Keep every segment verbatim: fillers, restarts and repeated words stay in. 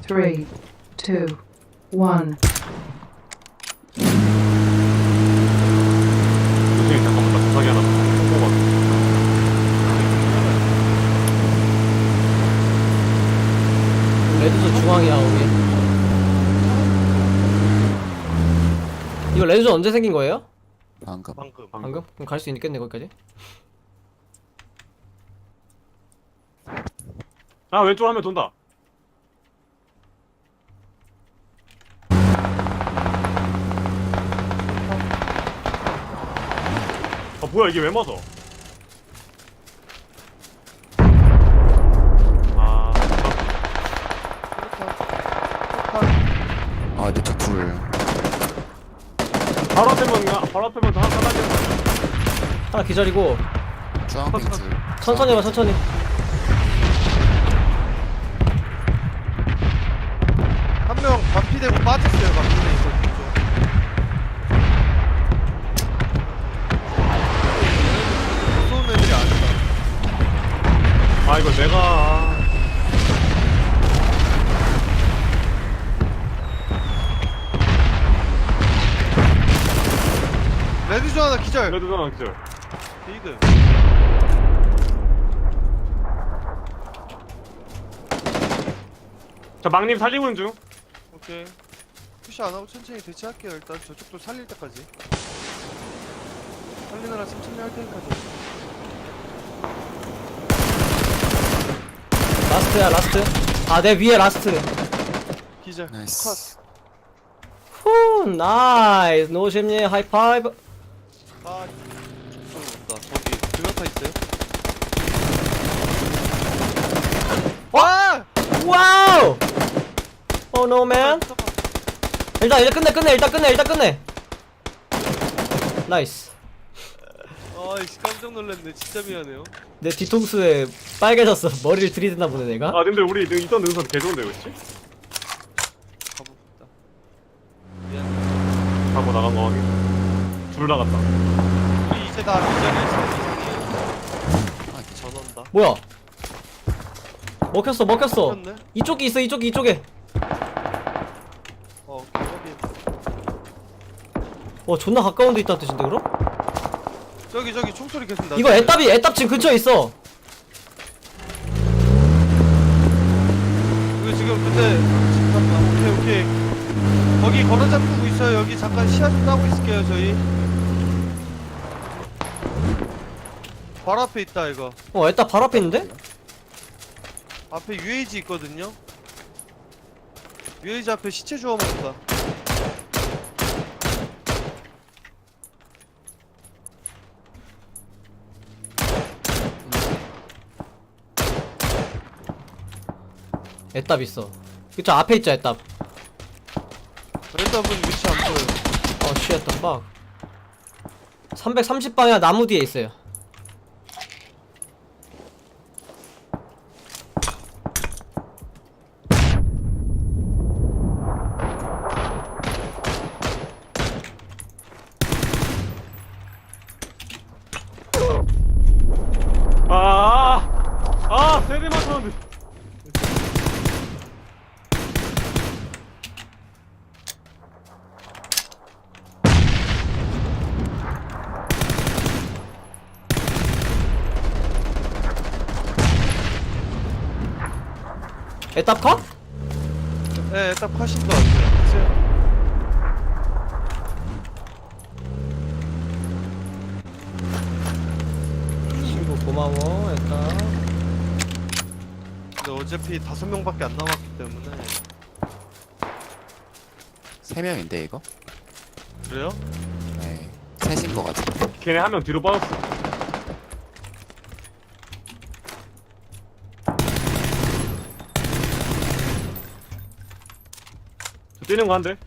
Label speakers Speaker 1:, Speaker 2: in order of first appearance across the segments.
Speaker 1: three, two, one.
Speaker 2: 선생님 잠깐만 나 부상이 하나 뽑아.
Speaker 3: 레드존 중앙이야 우리. 이거 레드존 언제 생긴 거예요?
Speaker 4: 방금.
Speaker 2: 방금
Speaker 3: 방금? 그럼 갈 수 있겠네 거기까지.
Speaker 2: 아 왼쪽 하면 돈다. 아 뭐야 이게 왜 맞아? 아
Speaker 4: 아, 근데 저 불.
Speaker 2: 바로 앞에만 가- 바로 앞에만 다 하나 하나.
Speaker 3: 하나 기절이고.
Speaker 4: 주황빛 불.
Speaker 3: 천천히 해봐 천천히.
Speaker 5: 한 명 반피되고 빠졌어요. 반피돼 있어. 무서운 애들이 아니다.
Speaker 2: 아 이거 내가
Speaker 5: 레드존 하나 기절.
Speaker 2: 레드 전화 기절.
Speaker 5: 리드.
Speaker 2: 자 막님 살리고 있는 중.
Speaker 5: 오케이. 푸시 안 하고 천천히 대치할게요. 일단 저쪽도 살릴 때까지. 살리느라 천천히 할 테니까요.
Speaker 3: 라스트야 라스트. 아 내 위에 라스트.
Speaker 5: 기절.
Speaker 4: 나이스.
Speaker 3: 후 나이스. 노심님 하이파이브.
Speaker 5: 컷. 아, 저기 온다. 저기 드가타 있어요? 와!
Speaker 3: 와우. 오 노맨. 일단 일단 끝내 끝내 일단 끝내 일단 끝내. 나이스.
Speaker 5: 아이씨 깜짝 놀랐네. 진짜 미안해요.
Speaker 3: 내 뒤통수에 빨개졌어. 머리를 들이댔나 보네 내가.
Speaker 2: 아 님들 우리 능- 있던 능선 개 좋은데 그치?
Speaker 5: 가봅시다. 미안.
Speaker 2: 하고 나간 거 확인. 둘 나갔다.
Speaker 5: 우리 이제 다 기절일 이상이에요.
Speaker 4: 아, 이게 저-
Speaker 5: 전원다.
Speaker 3: 뭐야? 먹혔어 먹혔어.
Speaker 5: 먹혔네?
Speaker 3: 이쪽이 있어 이쪽이 이쪽에.
Speaker 5: 어, 오케이.
Speaker 3: 와 존나 가까운 데 있다는 뜻인데 그럼?
Speaker 5: 저기 저기 총소리 계속 나.
Speaker 3: 이거 애답이 애답 지금 근처에 있어.
Speaker 5: 이거 지금 근데 잠깐만. 오케이 오케이. 거기 걸어 잡고 있어요. 여기 잠깐 시야 좀 따고 있을게요 저희. 바로 앞에 있다 이거.
Speaker 3: 어 애답 바로 앞에 있는데?
Speaker 5: 앞에 유에이지 있거든요. 유에이지 앞에 시체 주워 먹는다.
Speaker 3: 애답 있어. 그쵸 앞에 있죠 애답.
Speaker 5: 레드업은 위치 안 보여.
Speaker 3: 어 쉣, the fuck. 삼백삼십 방향 나무 뒤에 있어요.
Speaker 2: 아, 아, 세대 맞췄는데.
Speaker 3: 애답 컷?
Speaker 5: 네, 딱 하신 거 같아요.
Speaker 3: 친구 고마워 애답.
Speaker 5: 근데 어차피 다섯 명밖에 안 남았기 때문에.
Speaker 4: 세 명인데 이거?
Speaker 5: 그래요?
Speaker 4: 네. 셋인 거 같아.
Speaker 2: 걔네 한 명 뒤로 빠졌어. 저 뛰는 거 한대.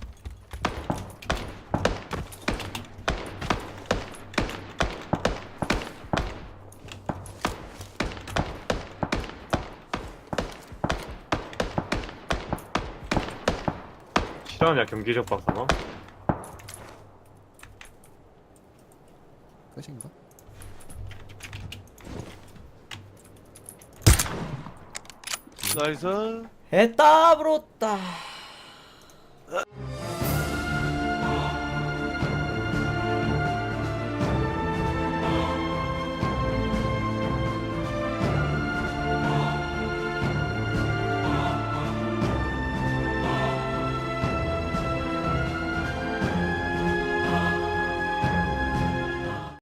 Speaker 2: 싫어하냐 경기적 박사가?
Speaker 4: 끝인가?
Speaker 5: 나이스.
Speaker 3: 에따 브로따